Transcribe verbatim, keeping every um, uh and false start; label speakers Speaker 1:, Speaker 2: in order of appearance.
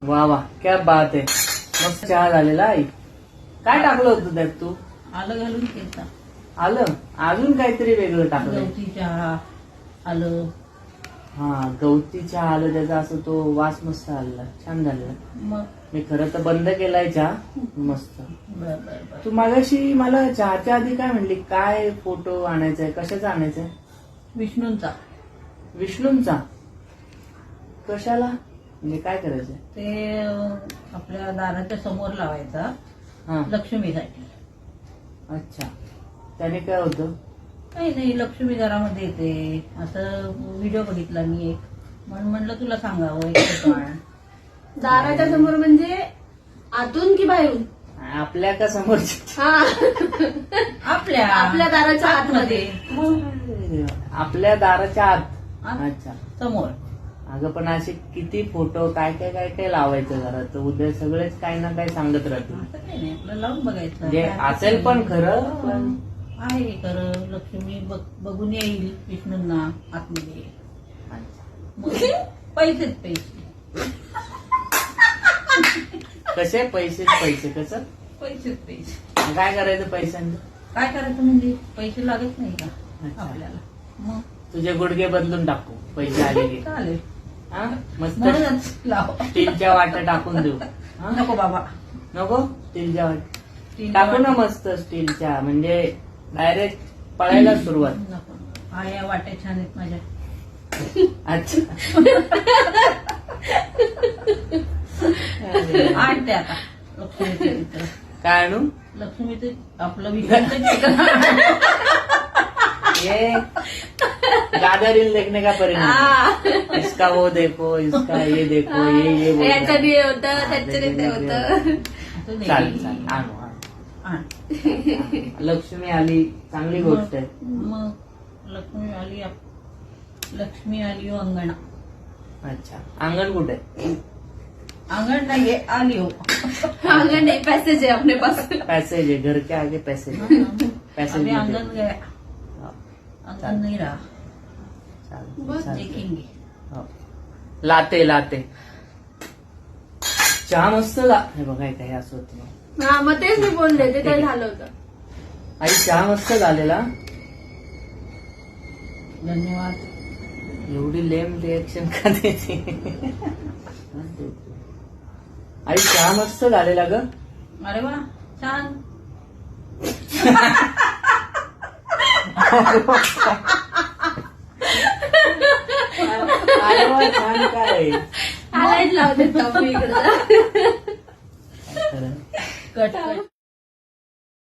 Speaker 1: वा वा क्या बात आहे. मस्त चहा झालेला आई. काय टाकलं होतं त्यात तू?
Speaker 2: आलं घालून केलता.
Speaker 1: आलं अजून काहीतरी वेगळं टाकलं.
Speaker 2: गवती चहा आलं.
Speaker 1: हा गवती चहा आलं त्याचा असं तो वास मस्त आलेला छान झालेला.
Speaker 2: मग
Speaker 1: मी खरं तर बंद केलाय चहा. मस्त.
Speaker 2: बर बर बर.
Speaker 1: तू मागाशी मला चहाच्या आधी काय म्हणली काय फोटो आणायचाय कशाचा आणायचाय?
Speaker 2: विष्णूंचा.
Speaker 1: विष्णूंचा? कशाला म्हणजे काय करायचंय?
Speaker 2: ते अं, आपल्या दाराच्या समोर लावायचा
Speaker 1: हा
Speaker 2: लक्ष्मीसाठी.
Speaker 1: अच्छा त्याने काय होतं?
Speaker 2: काही नाही, लक्ष्मी घरामध्ये येते असं व्हिडिओ बघितला मी एक, म्हणून म्हणलं तुला सांगावं एक फोटो आण.
Speaker 3: दाराच्या समोर म्हणजे आतून की बाहेरून?
Speaker 1: आपल्या का समोरच्या?
Speaker 3: हा
Speaker 2: आपल्या
Speaker 3: आपल्या दाराच्या आतमध्ये.
Speaker 1: आपल्या दाराच्या आत.
Speaker 2: आत.
Speaker 1: अच्छा
Speaker 2: समोर.
Speaker 1: अगं पण असे किती फोटो काय काय काय काय लावायचं घरात उद्या सगळेच काही ना काही सांगत राहतील.
Speaker 2: असं काही नाही, आपलं लावून बघायचं.
Speaker 1: म्हणजे
Speaker 2: काय
Speaker 1: असेल पण खरं पण
Speaker 2: आहे खरं. लक्ष्मी बघ- बघून येईल विष्णूंना आतमध्ये. मग पैसेच पैसे.
Speaker 1: कसे पैसे पैसे कसं
Speaker 2: पैसेच पैसे.
Speaker 1: काय करायचं पैशांचं?
Speaker 2: काय करायचं म्हणजे पैसे लागत नाही का
Speaker 1: अच्छा.
Speaker 2: आपल्याला? मग
Speaker 1: तुझे गुडघे बदलून टाकू पैसे आले की.
Speaker 2: चालेल.
Speaker 1: हा मस्त
Speaker 2: म्हणूनच लाव.
Speaker 1: स्टीलच्या वाट्या टाकून देऊ. हा?
Speaker 2: नको बाबा.
Speaker 1: नको स्टीलच्या वाट्या
Speaker 2: तीन
Speaker 1: टाकू ना
Speaker 2: वाटे-
Speaker 1: मस्त स्टीलच्या म्हणजे डायरेक्ट पळायला सुरुवात.
Speaker 2: नको. हा या वाट्या छान आहेत माझ्या.
Speaker 1: अच्छा
Speaker 2: आणते आता लक्ष्मीचं चित्र.
Speaker 1: काय आणू?
Speaker 2: लक्ष्मीचं आपलं विष्णूचं चित्र.
Speaker 1: ये ज्यादा रील देखने का परिणाम. इसका वो देखो इसका ये देखो ये ये बोल रहा है.
Speaker 3: याच्याने हे होतं त्याच्याने ते होतं.
Speaker 2: असं नाही.
Speaker 1: चालेल चालेल आणू आणू.
Speaker 2: आण.
Speaker 1: लक्ष्मी आली चांगली गोष्ट आहे.
Speaker 2: मग लक्ष्मी आली आप- लक्ष्मी आली हो अंगणा.
Speaker 1: अच्छा अंगण कुठे आहे?
Speaker 2: अंगण नाहीये, आली हो.
Speaker 3: आंगन नहीं पैसेज है अपने पास.
Speaker 1: पैसेज है घर के आगे पैसेज. पैसेज
Speaker 2: अभी
Speaker 1: में
Speaker 2: आंगन
Speaker 1: दे.
Speaker 2: गया.
Speaker 1: हाँ,
Speaker 2: अंगन नहीं रहा.
Speaker 1: चालेल,
Speaker 3: बस
Speaker 1: चालेल.
Speaker 2: देखेंगे.
Speaker 1: हो. लाते लाते चहा मस्त झा- हे बघाय काय असं होतं.
Speaker 3: हा मग तेच मी बोलले ते काय झालं होतं.
Speaker 1: आई चहा मस्त झालेला.
Speaker 2: धन्यवाद.
Speaker 1: एवढी लेम रिएक्शन का देते? आई चहा मस्त झालेला ग.
Speaker 2: अरे वा छान.
Speaker 1: अरे वा, छान काय
Speaker 3: हायलाइट लावते इकडे.
Speaker 1: खरं.
Speaker 2: Cut cut.